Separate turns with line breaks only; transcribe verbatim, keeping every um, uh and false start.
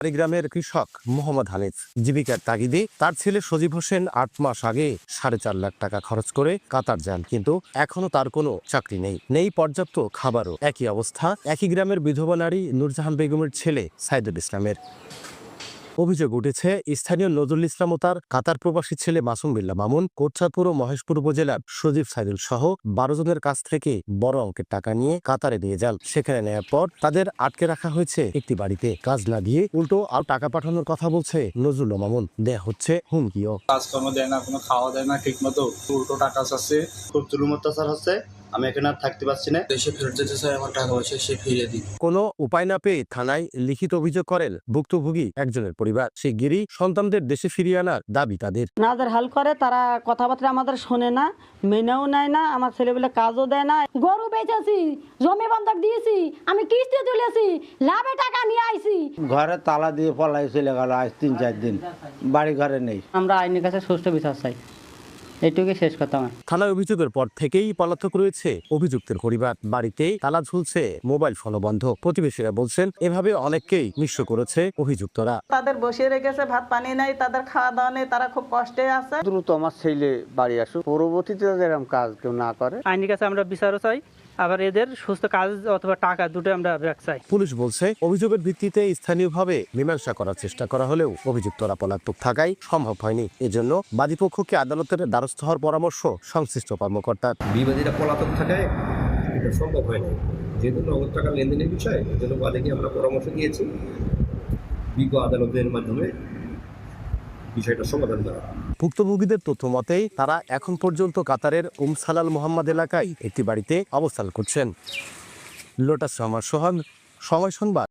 গ্রামের কৃষক মোহাম্মদ হানিফ জীবিকার তাগিদে তার ছেলে সজীব হোসেন আট মাস আগে সাড়ে চার লাখ টাকা খরচ করে কাতার যান, কিন্তু এখনো তার কোনো চাকরি নেই, নেই পর্যাপ্ত খাবারও। একই অবস্থা একই গ্রামের বিধবা নারী নূরজাহান বেগমের ছেলে সাইদুল ইসলামের। অভিযোগ উঠেছে স্থানীয় নজরুল ইসলাম ও তার কাতার প্রবাসী ছেলে মাসুম বিল্লাহ মামুন কোটচাঁদপুর ও মহেশপুর উপজেলার সজীব সাইদুল সহ বারো জনের কাছ থেকে বড় অঙ্কের টাকা নিয়ে কাতারে নিয়ে যান। সেখানে নেওয়ার পর তাদের আটকে রাখা হয়েছে একটি বাড়িতে। কাজ না দিয়ে উল্টো আর টাকা পাঠানোর কথা বলছে নজরুল মামুন। দেয়া হচ্ছে হুমকিও।
কাজকর্ম দেয় না, কোনো খাওয়া দেয় না ঠিক মতো, উল্টো টাকা চাচ্ছে।
খুব জুলুম অত্যাচার হচ্ছে, আমি এখানে আর থাকতে পারছি না।
দেশে ফেরত যেতে চাই, আমার টাকা পয়সা সে ফিরিয়ে দিই।
কোনো উপায় না পেয়ে থানায় লিখিত অভিযোগ করেন ভুক্তভোগী একজনের পরিবার। শিগগিরই সন্তানদের দেশে ফিরিয়ে আনার দাবি তাদের।
নাদের হাল করে, তারা কথাবার্তা আমাদের শোনে না, মেনেও নেয় না, আমার ছেলেবেলে কাজও দেয় না।
গরু বেচেছি, জমি বন্ধক দিয়েছি, আমি কিস্তি তুলেছি, লাভে টাকা নিয়ে আইছি।
ঘরে তালা দিয়ে পলাই চলে গেল আজ তিন চার দিন, বাড়ি ঘরে নেই।
আমরা আইনের কাছে সুষ্ঠু বিচার চাই, এইটুকুই শেষ কথা। আমার
থানায় অভিযোগের পর থেকেই পলাতক রয়েছে অভিযুক্তের পরিবার। বাড়িতেই তালা ঝুলছে, মোবাইল ফোনও বন্ধ। প্রতিবেশীরা বলছেন এভাবে অনেককেই নিঃস্ব করেছে অভিযুক্তরা।
তাদের বসিয়ে রেখেছে, ভাত পানি নাই, তাদের খাওয়া দাওয়া নেই, তারা খুব কষ্টে আছে।
দ্রুত আমার ছেলে বাড়ি আসুক, পরবর্তীতে এরকম কাজ কেউ না করে।
আইনের কাছে আমরা বিচারও চাই, আবার এদের সুস্থ কাজ অথবা টাকা দুটো আমরা চাই।
পুলিশ বলছে অভিযোগের ভিত্তিতে স্থানীয়ভাবে মীমাংসা করার চেষ্টা করা হলেও অভিযুক্তরা পলাতক থাকায় সম্ভব হয়নি। এজন্য বাদীপক্ষকে আদালতের দ্বারস্থ হওয়ার পরামর্শ সংশ্লিষ্ট কর্মকর্তার।
বিবাদীরা পলাতক থাকায় এটা সম্ভব হয় না, যেহেতু নগদ টাকা লেনদেনের বিষয়। এজন্য বাদীকে আমরা পরামর্শ দিয়েছি বিজ্ঞ আদালতের মাধ্যমে বিষয়টা সমাধান করা।
ভুক্তভোগীদের তথ্য মতেই তারা এখন পর্যন্ত কাতারের উম সালাল মোহাম্মদ এলাকায় একটি বাড়িতে অবস্থান করছেন। লোটাস রহমান সোহান, সময় সংবাদ।